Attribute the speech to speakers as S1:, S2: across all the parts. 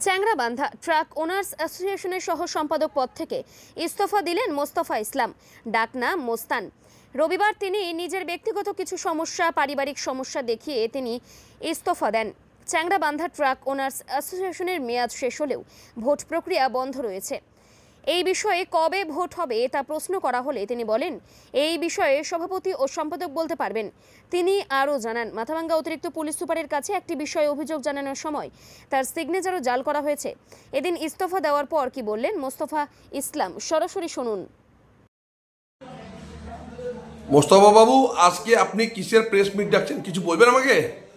S1: Changrabandha truck owners অ্যাসোসিয়েশনের সহ সম্পাদক পদ থেকে ইস্তফা দিলেন মোস্তফা ইসলাম, ডাকনাম মোস্তান। রবিবার তিনি নিজের ব্যক্তিগত কিছু সমস্যা, পারিবারিক সমস্যা দেখিয়ে তিনি ইস্তফা দেন। চ্যাংড়াবান্ধা ট্রাক ওনার্স অ্যাসোসিয়েশনের মেয়াদ শেষ হলেও ভোট প্রক্রিয়া বন্ধ রয়েছে। এই বিষয়ে কবে ভোট হবে তা প্রশ্ন করা হলে তিনি বলেন, এই বিষয়ে সভাপতি ও সম্পাদক বলতে পারবেন। তিনি আরও জানান, মাথাভাঙ্গা অতিরিক্ত পুলিশ সুপারের কাছে একটি বিষয়ে অভিযোগ জানানোর সময় তার সিগনেচারও জাল করা হয়েছে। এদিন ইস্তফা দেওয়ার পর কি বললেন মোস্তফা ইসলাম, সরাসরি শুনুন।
S2: মোস্তফা বাবু, আজকে আপনি কিসের প্রেস মিট ডাকছেন, কিছু বলবেন আমাকে?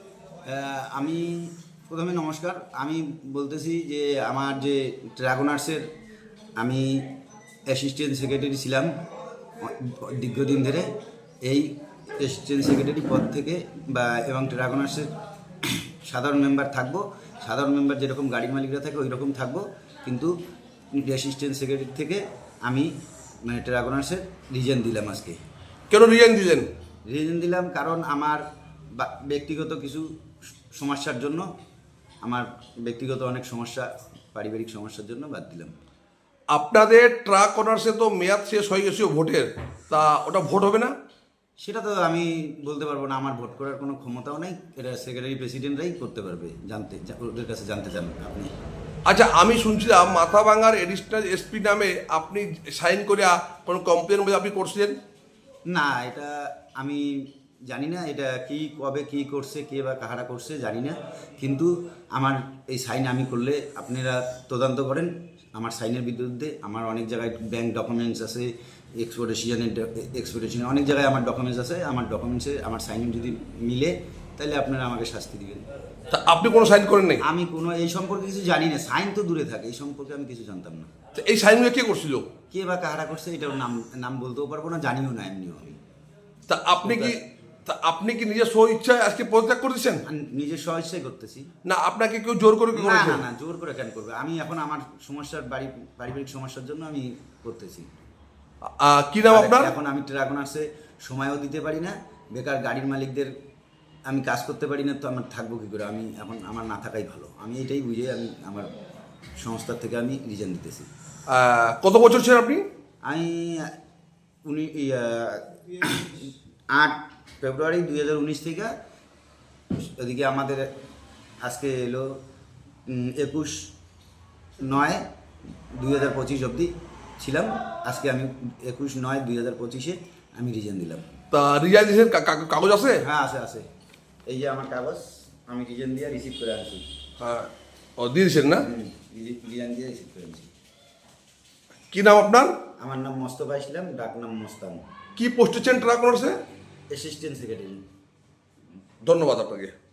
S3: আমি প্রথমে নমস্কার। আমি বলতেছি যে আমার যে ট্রাক ওনার্সের আমি অ্যাসিস্ট্যান্ট সেক্রেটারি ছিলাম দীর্ঘদিন ধরে। এই অ্যাসিস্ট্যান্ট সেক্রেটারি পদ থেকে এবং ট্রাক ওনার্সের সাধারণ মেম্বার থাকবো। সাধারণ মেম্বার যেরকম গাড়ির মালিকরা থাকে ওই রকম থাকবো, কিন্তু অ্যাসিস্ট্যান্ট সেক্রেটারি থেকে আমি ট্রাক ওনার্সের রিজেন দিলাম। আজকে
S2: কেন রিজাইন দিলেন?
S3: রিজেন দিলাম কারণ আমার ব্যক্তিগত কিছু সমস্যার জন্য, আমার ব্যক্তিগত অনেক সমস্যা, পারিবারিক সমস্যার জন্য বাদ দিলাম।
S2: আপনাদের ট্রাক অনার্সে তো মেয়াদ শেষ হয়ে গেছে ভোটের, তা ওটা ভোট হবে না?
S3: সেটা তো আমি বলতে পারবো না, আমার ভোট করার কোনো ক্ষমতাও নেই। এটা সেক্রেটারি প্রেসিডেন্টরাই করতে পারবে, ওদের কাছে জানতে চান আপনি?
S2: আচ্ছা, আমি শুনছিলাম মাথাভাঙ্গার এডিশনাল এসপি নামে আপনি সাইন করে কোনো কমপ্লেন মধ্যে আপনি করছিলেন।
S3: না, এটা আমি জানি না, এটা কি কবে কি করছে, কে বা কাহারা করছে জানি না, কিন্তু আমার এই সাইন আমি করলে আপনারা তদন্ত করেন। আমার সাইনের বিরুদ্ধে আমার অনেক জায়গায় ব্যাংক ডকুমেন্টস আছে, এক্সপোর্টেশনের অনেক জায়গায় আমার ডকুমেন্টস আছে। আমার ডকুমেন্টসে আমার সাইন যদি মিলে তাহলে আপনারা আমাকে শাস্তি দিবেন।
S2: তা আপনি কোনো সাইন করেন নাই?
S3: আমি কোনো এই সম্পর্কে কিছু জানি না, সাইন তো দূরে থাকে, এই সম্পর্কে আমি কিছু জানতাম না।
S2: তো এই সাইনগুলো কে করছিল?
S3: কে বা কাহারা করছে এটার নাম বলতেও পারবো না, জানিও না এমনিও আমি।
S2: তা আপনি কি নিজের স্ব ইচ্ছায় আজকে পদত্যাগ করেছেন?
S3: নিজের স্বইচ্ছাই করতেছি।
S2: না, আপনাকে কেউ জোর করে
S3: না
S2: করেছে?
S3: না না, জোর করে কেন করবে? আমি এখন আমার সমস্যার পারিবারিক সমস্যার জন্য আমি করতেছি।
S2: কি নাম আপনার?
S3: এখন আমি ট্রাক ওনার্সে সময়ও দিতে পারি না, বেকার গাড়ির মালিকদের আমি কাজ করতে পারি না, তো আমার থাকবো কী করে? আমি এখন আমার না থাকাই ভালো। আমি এটাই বুঝে আমি আমার সংস্থার থেকে আমি রিজাইন দিতেছি।
S2: কত বছর ছিলেন আপনি?
S3: আমি 8 ফেব্রুয়ারি 2019 থেকে, ওদিকে আমাদের আজকে এলো 21/9/2025 অবধি ছিলাম। আজকে আমি 21/9/2025-এ আমি রিজাইন দিলাম।
S2: তা রিজাইন দিয়েছেন, কাগজ আছে?
S3: হ্যাঁ, আছে। এই যে আমার কাগজ, আমি রিজাইন দিয়ে রিসিভ করে আনছি।
S2: হ্যাঁ, ও দিয়ে দিয়েছেন না?
S3: রিজাইন দিয়ে রিসিভ করে আনছি।
S2: কি নাম আপনার?
S3: আমার নাম মোস্তফা ইসলাম, ডাকনাম মোস্তান।
S2: কি পোস্টে ছিলেন ট্রাক অনার্সে?
S3: Assistant secretary.
S2: ধন্যবাদ আপনাকে।